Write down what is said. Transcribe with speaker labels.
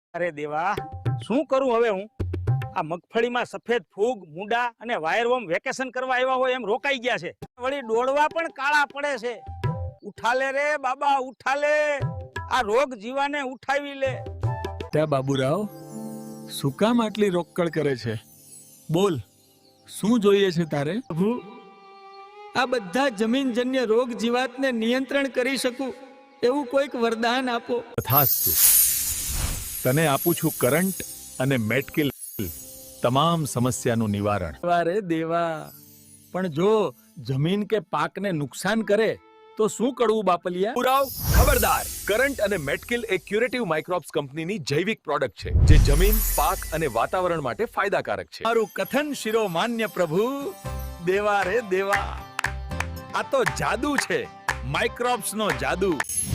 Speaker 1: અરે દેવા, શું કરું હવે હું? આ મગફળીમાં સફેદ ફૂગ, મુંડા અને વાયરવોમ વેકેશન કરવા આવ્યા હોય એમ રોકાઈ ગયા છે. વળી ડોળવા પણ કાળા પડે છે. ઉઠાલે રે બાબા, ઉઠાલે. આ રોગ જીવાને ઉઠાવી લે.
Speaker 2: ત્યાં બાબુરાવ, શું કામ આટલી રોકકળ કરે છે? બોલ, શું જોઈએ છે તારે?
Speaker 3: પ્રભુ, આ બધા જમીનજન્ય રોગ જીવાતને નિયંત્રણ કરી શકું એવું કોઈક વરદાન આપો.
Speaker 2: તથાસ્તુ. તને આપું છું કરંટ અને મેટકિલ, તમામ સમસ્યાનું નિવારણ.
Speaker 3: વારે દેવા, પણ જો જમીન કે પાકને નુકસાન કરે તો શું કરવું બાપલિયા?
Speaker 2: બાબુરાવ, ખબરદાર! કરંટ અને મેટકિલ એ ક્યુરેટિવ માઇક્રોબ્સ કંપનીની જૈવિક પ્રોડક્ટ છે, જે જમીન, પાક અને વાતાવરણ માટે ફાયદાકારક છે.
Speaker 3: મારું કથન શિરોમાન્ય પ્રભુ. દેવા રે દેવા,
Speaker 2: આ તો જાદુ છે, માઇક્રોબ્સનો જાદુ.